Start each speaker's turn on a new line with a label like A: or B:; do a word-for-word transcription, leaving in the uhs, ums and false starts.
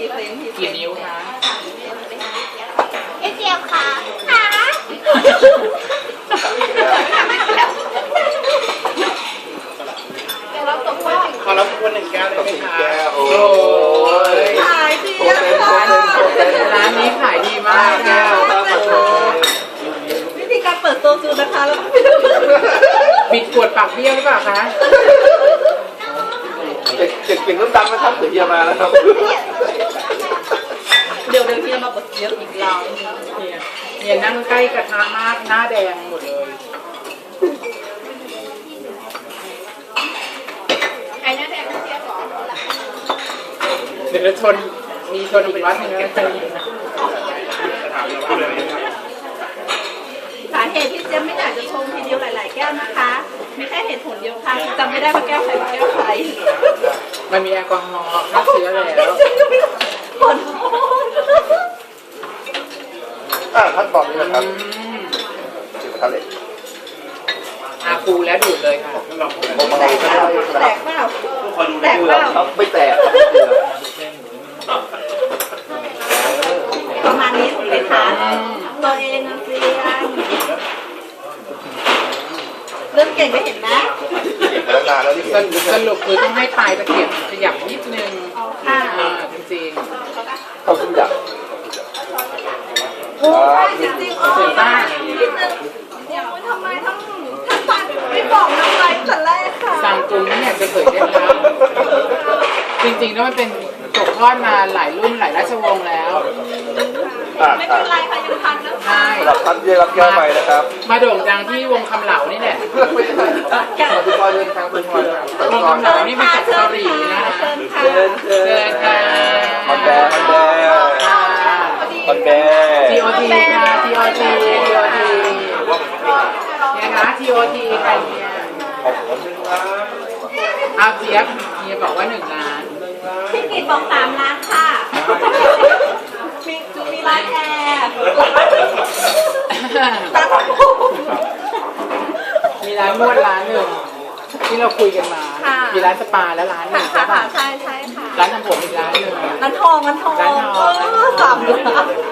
A: กี่นิ้วคะ
B: เอเจียวค่ะค่ะ
C: ขอรับคนหนึ่งแก้วได้ไหมคะ
A: โอ้ย
B: ขายดี
A: ร้านร้านนี้ขายดีมากแก้ว
B: วิธีการเปิดตัวคือนะคะแล้ว
A: บิดขวดปากเบี้ยวหรือเปล่าคะ
C: เด็กเด็กเก่งน้ำดำนะครับเดี๋ยวเฮียมาแล้วครับ
B: เดี๋ยวเดี๋ยวเฮียมาบดเยอะอีกเรา
A: เนี่ยเนี่ยนั่งใกล้กระทะมากหน้าแดงหมดเลย
B: ใครหน้าแดงเชียร์หรอ
A: เดี๋ยวชนมีชนอีกวัดหนึ่งกันไป
B: สาเหตุที่เจ๊ไม่อยากจะชงทีเดียวหลายๆแก้วนะคะมีแค่เหตุผลเดียวค่ะจำไม่ได้ว่าแก้วใครเป็นแก้วใคร
A: มันมีแอลกอฮอล์ฆ่าเชื้อแล้ว
B: ขอโทษ
C: อ่าท่านบอกนี่นะครับ
A: อืม
C: จิ๋วทะเล
A: อาคูแล้วดูดเลยค่ะ
C: ผมมา
B: แตกเปล่าแตกเปล่าแตกเปล่า
C: ครับไม่แตก
B: ประมาณนี้ถูกไหมคะตัวเองนะเซียนเริ่มเก่งก็เห็นไหม
C: เก่งมาตั้งนานแล้วที่
A: ส
C: เห็น
A: รุปสรุปคือต้องให้ปลายตะเกียบขยับนิดนึง
B: ค่ะ
A: อ่าจริง
C: เข้าขึ้นอย่าง
B: โอ้ใช่จริงๆอ๋อนิดนึงเดี๋ยวทำไมต้องท่านฟังไม่บอกน้ำลายแต่แรกค่ะ
A: ๆสั่งกรุงนี่อยากจะเผยได้แล้วจริงๆแล้วมันเป็นตกทอดมาหลายรุ่นหลายราชวงศ์แล้ว
C: อ่า
B: ไม่
C: อ่า
B: เป็นไรค่ะยังทันนะ
A: ใช่
C: สำหรับท่านที่ได้รับแก้วใหม่นะครับ
A: มาโด่งดังที่วงคำเหลานี่แหละ
C: ไม่ใช่คุณพ่อเดินทางคุณพ่อ
A: วงคำเหลานี่มาจากเกาหลีนะคะ
B: เชิญค่ะ
C: เชิญเชิ
A: เชิญค่ะ
C: ฮอนแดงฮอนแดงฮอนแดง
A: ที โอ ที ค่ะ ที โอ ที ที โอ ที เนี่ยนะ ที โอ ที ใครเนี่ย
C: ขอบคุณครับ
A: เอาเจี๊ยบเฮียบอกว่าหนึ่งล้าน
B: พี่กิตบอกสามล้านค่ะมีมีร้านแอร์ร้านผม
A: มีร้านนวดร้านหนึ่งที่เราคุยกันมา มีร้านสปาและร้านหนึ่ง
B: ค่ะ
A: ใช่
B: ค่ะ
A: ป่ะ
B: ใช่ใช่ค่ะ
A: ร้านทำผมอีกร้านหนึ่ง
B: ร้านทองร้านทอง
A: ร้านทอง
B: เออสามล้าน